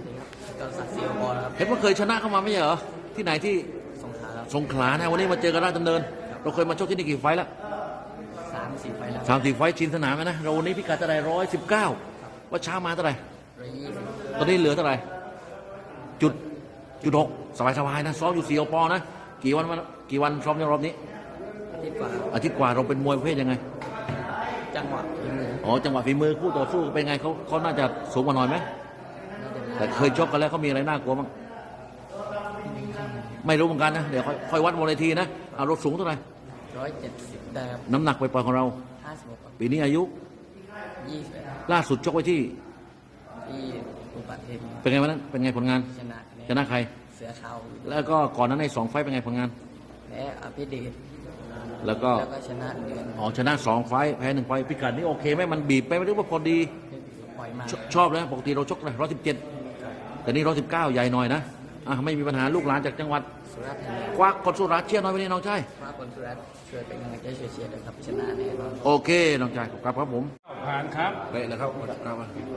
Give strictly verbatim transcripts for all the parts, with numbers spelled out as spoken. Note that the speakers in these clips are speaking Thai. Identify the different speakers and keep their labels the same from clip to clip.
Speaker 1: ดีครับจอร์นสักดิ์ศรีโอปอครับ
Speaker 2: เห็นว่าเคยชนะเข้ามาไม่ใช่เหรอที่ไหนที่
Speaker 1: สงขลาครับ
Speaker 2: สงขลานะวันนี้มาเจอกันราชดำเนินเราเคยมาชกที่นี่กี่ไฟล์แล้ว
Speaker 1: สามสี่ไฟแล้ว
Speaker 2: สามสี่ไฟล์ชินสนามไหมนะเราวันนี้พิกัดเท่าไหร่ร้อยสิบเก้าว่าเช้ามาเท่าไหร่
Speaker 1: ร้อยยี่สิบ
Speaker 2: ตอนนี้เหลือเท่าไหร่จุดจุดหกสบายสบายนะซ้อมอยู่สี่ปอนะกี่วันวันกี่วันซ้อมในรอบนี้
Speaker 1: อาทิตย์กว่า
Speaker 2: อาทิตย์กว่าเราเป็นมวยประเภทยังไง
Speaker 1: จังหวะฝีมือ
Speaker 2: อ๋อจังหวะฝีมือคู่ต่อสู้เป็นไงเขาเขาน่าจะสูงกว่าหน่อยไหมแต่เคยชกกันแล้วเขามีอะไรน่ากลัวมั้งไม่รู้เหมือนกันนะเดี๋ยวค่อยค่อยวัดบนเวทีนะเอารถสูงเท่าไหร่
Speaker 1: ร้อยเจ็ดสิบได้ครับ
Speaker 2: น้ำหนักไปปล่อยของเรา
Speaker 1: ห้าสิบหก
Speaker 2: ปีนี้อายุ
Speaker 1: ยี่สิบ
Speaker 2: ล่าสุดชกไว้ที่
Speaker 1: ที่อุปัตเทพ
Speaker 2: เป็นไงวันนั้นเป็นไงผลงาน
Speaker 1: ชนะ
Speaker 2: ชนะใคร
Speaker 1: เสือขาว
Speaker 2: แล้วก็ก่อนนั้นในสองไฟเป็นไงผลงาน
Speaker 1: แพ้อภิเดช
Speaker 2: แล้วก็
Speaker 1: ชนะเดือน
Speaker 2: อ๋อชนะสองไฟแพ้หนึ่งไฟพิกัดนี้โอเคไหมมันบีบไปไม่รู้ว่าพอดี
Speaker 1: ปล่อยมา
Speaker 2: ชอบเลยปกติเราชกเลยร้อยสิบเจ็ดแต่นี่ร้อยสิบเก้าใหญ่หน่อยนะอ่ะไม่มีปัญหาลูกหลานจากจังหวัด
Speaker 1: สุราษฎร์ธานี
Speaker 2: ควักคนสุราษฎร์เชียร์น้อยไปนี่น้องชาย
Speaker 1: ควักคนสุราษฎร์ช่วยเป็นกำลังใจเชียร์นะครับชนะแน่นอน
Speaker 2: โอเคน้องชายครับครับผม
Speaker 3: ผ่านครับ
Speaker 2: เละแล้วครับครับ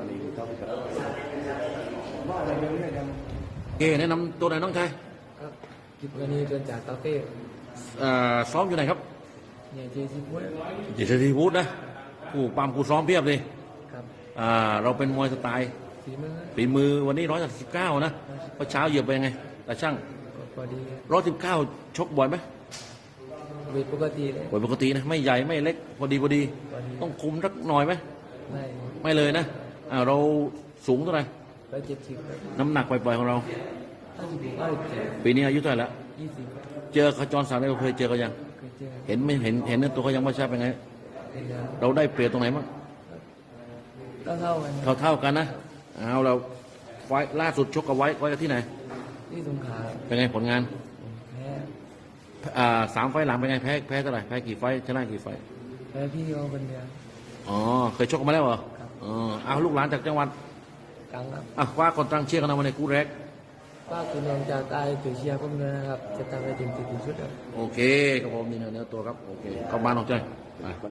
Speaker 2: โอเคแนะนำตัวไหนน้องชาย
Speaker 1: ครับกิบวันนี้เดินจากตาเต้
Speaker 2: ซ้อมอยู่ไหนครับ
Speaker 1: ใหญ่เจซีฟูด
Speaker 2: ใหญ่เจซีฟูดนะผู้ปั๊มผู้ซ้อมเพียบเลย
Speaker 1: ครับ
Speaker 2: อ่าเราเป็นมวยสไตล์
Speaker 1: ฝีมือ
Speaker 2: ฝีมือวันนี้ร้อยสิบเก้านะเมื่อเช้าเหยียบไปยังไงแต่ช่าง
Speaker 1: พอดี
Speaker 2: ร้อยสิบเก้าชกบ่อยไหม
Speaker 1: เวทปกติเลย
Speaker 2: บ่อยปกตินะไม่ใหญ่ไม่เล็กพอดีพอดีต้องคุมสักหน่อยไหม
Speaker 1: ไม่
Speaker 2: ไม่เลยนะอ่าเราสูงเท่าไหร่
Speaker 1: ร้อยเจ็ดสิบ
Speaker 2: น้ำหนักปล่อยๆของเรา
Speaker 1: ห้าสิบห้าสิบเจ็ด
Speaker 2: ปีนี้อายุเท่าไหร่ละ
Speaker 1: ยี่สิบ
Speaker 2: เจอขจรศักดิ์เราเคยเจอกันยัง
Speaker 1: เคยเจอ
Speaker 2: เห็นไม่เห็นเห็นตัวเขายังไม่ใช่เป็นไงเราได้เปรียบตรงไหนมั้ง
Speaker 1: เท่าเท่ากัน
Speaker 2: เท่าเท่ากันนะเอาเราไฟล่าสุดชกกับไว้ไว้กับที่ไหน
Speaker 1: ที่สงขลา
Speaker 2: เป็นไงผลงาน
Speaker 1: แพ้
Speaker 2: อ่าสามไฟหลังเป็นไงแพ้แพ้เท่าไหร่แพ้กี่ไฟชนะกี่ไฟ
Speaker 1: แพ้พี่เขาคนเดียว
Speaker 2: อ๋อเคยชกกันมาแล้วเหรออ๋อเอาลูกหลานจากจังหวัด
Speaker 1: กลางครับ
Speaker 2: อ่ะคว้าคนตั้งเชียร์กันมาในคู่แรก
Speaker 1: คว้าคนนองจากใต้ถือเชียร์ผมเลยนะครับจะทำให้ถึงจุดที่สุด
Speaker 2: โอเคครับผมนี่นะเนื้อตัวครับโอเคเข้าบ้านออกใจ